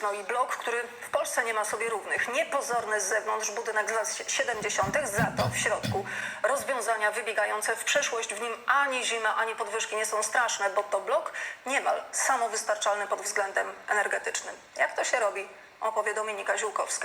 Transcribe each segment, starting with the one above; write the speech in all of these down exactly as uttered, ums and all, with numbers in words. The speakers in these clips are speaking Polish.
No i blok, który w Polsce nie ma sobie równych. Niepozorny z zewnątrz budynek z lat siedemdziesiątych, za to w środku rozwiązania wybiegające w przyszłość. W nim ani zima, ani podwyżki nie są straszne, bo to blok niemal samowystarczalny pod względem energetycznym. Jak to się robi, opowie Dominika Ziółkowska.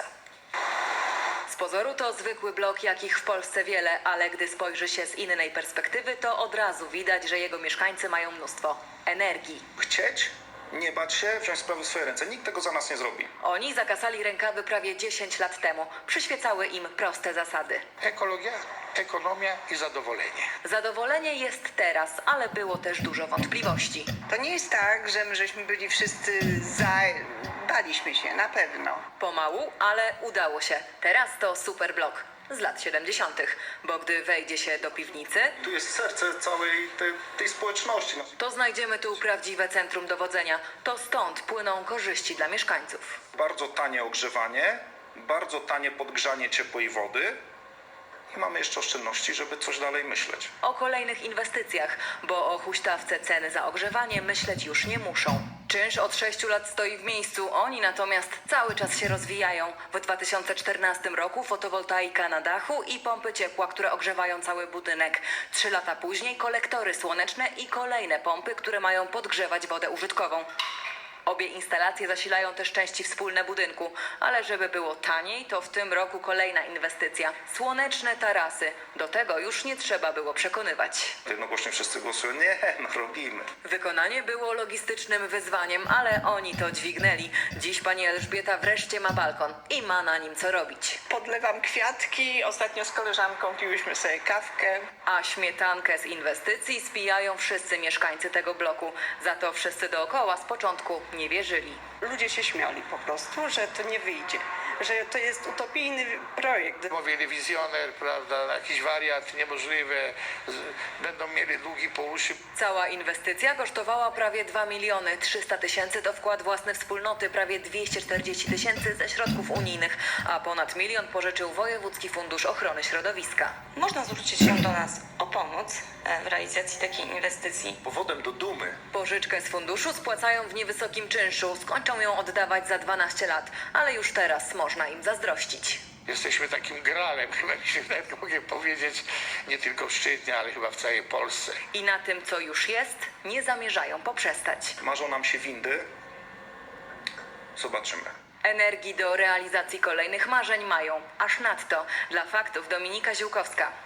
Z pozoru to zwykły blok, jakich w Polsce wiele, ale gdy spojrzy się z innej perspektywy, to od razu widać, że jego mieszkańcy mają mnóstwo energii. Chcieć, nie bać się, wziąć sprawy w swoje ręce. Nikt tego za nas nie zrobi. Oni zakasali rękawy prawie dziesięć lat temu. Przyświecały im proste zasady. Ekologia, ekonomia i zadowolenie. Zadowolenie jest teraz, ale było też dużo wątpliwości. To nie jest tak, że my żeśmy byli wszyscy za... Baliśmy się, na pewno. Pomału, ale udało się. Teraz to super blok z lat siedemdziesiątych, bo gdy wejdzie się do piwnicy, Tu jest serce całej tej, tej społeczności. to znajdziemy tu prawdziwe centrum dowodzenia. To stąd płyną korzyści dla mieszkańców. Bardzo tanie ogrzewanie, bardzo tanie podgrzanie ciepłej wody i mamy jeszcze oszczędności, żeby coś dalej myśleć. O kolejnych inwestycjach, bo o huśtawce ceny za ogrzewanie myśleć już nie muszą. Czynsz od sześciu lat stoi w miejscu, oni natomiast cały czas się rozwijają. W dwa tysiące czternastym roku fotowoltaika na dachu i pompy ciepła, które ogrzewają cały budynek. Trzy lata później kolektory słoneczne i kolejne pompy, które mają podgrzewać wodę użytkową. Obie instalacje zasilają też części wspólne budynku, ale żeby było taniej, to w tym roku kolejna inwestycja. Słoneczne tarasy. Do tego już nie trzeba było przekonywać. Jednogłośnie wszyscy głosują, nie, no robimy. Wykonanie było logistycznym wyzwaniem, ale oni to dźwignęli. Dziś pani Elżbieta wreszcie ma balkon i ma na nim co robić. Podlewam kwiatki, ostatnio z koleżanką piłyśmy sobie kawkę. A śmietankę z inwestycji spijają wszyscy mieszkańcy tego bloku. Za to wszyscy dookoła z początku nie wierzyli. Ludzie się śmiali po prostu, że to nie wyjdzie, że to jest utopijny projekt. Mówili wizjoner, prawda, jakiś wariat niemożliwy, z, będą mieli długi po uszy. Cała inwestycja kosztowała prawie dwa miliony trzysta tysięcy to wkład własny wspólnoty, prawie dwieście czterdzieści tysięcy ze środków unijnych, a ponad milion pożyczył Wojewódzki Fundusz Ochrony Środowiska. Można zwrócić się do nas o pomoc w realizacji takiej inwestycji. Powodem do dumy Pożyczkę z funduszu spłacają w niewysokim czynszu, skończą ją oddawać za dwanaście lat, ale już teraz można im zazdrościć. Jesteśmy takim gralem, chyba mi się nawet mogę powiedzieć, nie tylko w Szczytnie, ale chyba w całej Polsce. I na tym, co już jest, nie zamierzają poprzestać. marzą nam się windy. Zobaczymy. Energii do realizacji kolejnych marzeń mają. Aż nadto. Dla faktów Dominika Ziółkowska.